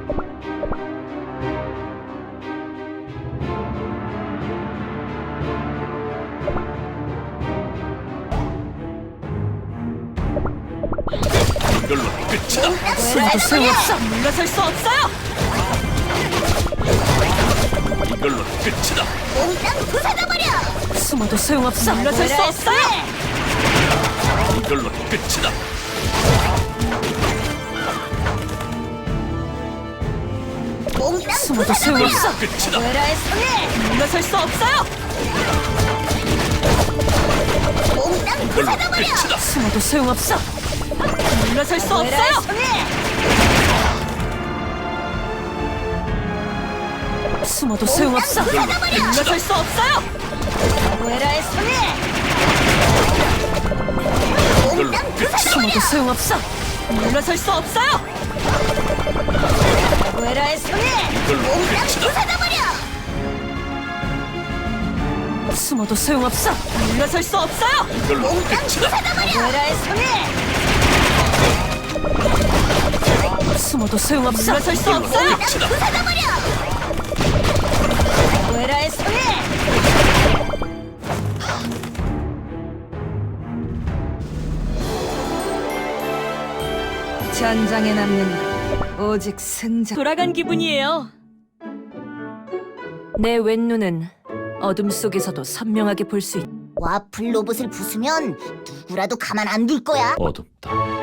이걸로 끝이다. 숨어도 소용없어. 물러설 수 없어요. 이걸로 끝이다. 몽땅 부숴버려! 숨어도 소용없어. 물러설 수 없어요. 이걸로 끝이다. 몽땅 숨어도 소용없어. 끝이다. 외라의 손에 물러설 수 없어요. 몽땅 이걸로 부숴버려! 끝이다. 숨어도 소용없어. 물러설 수 외라의 없어요. 손에 숨어도 소용없어. 이걸로 끝이다. 물러설 수 없어요. 외라의 손에 이걸로 몽땅 끝이다. 숨어도 소용없어. 물러설 수 없어요. 외라의 손에 이걸로 몽땅 끝이다. 부숴버려! 숨어도 소용없어. 물러설 수 없어요. 이걸로 몽땅 끝이다. 부숴버려! 외라의 손에 숨어도 소용없어. 물러설 수 이걸로 없어요. 끝이다. 외라의 손에 전장에 남는 오직 승자. 돌아간 기분이에요. 내 왼눈은 어둠 속에서도 선명하게 볼 수 있다. 와플 로봇을 부수면 누구라도 가만 안 둘 거야. 어둡다.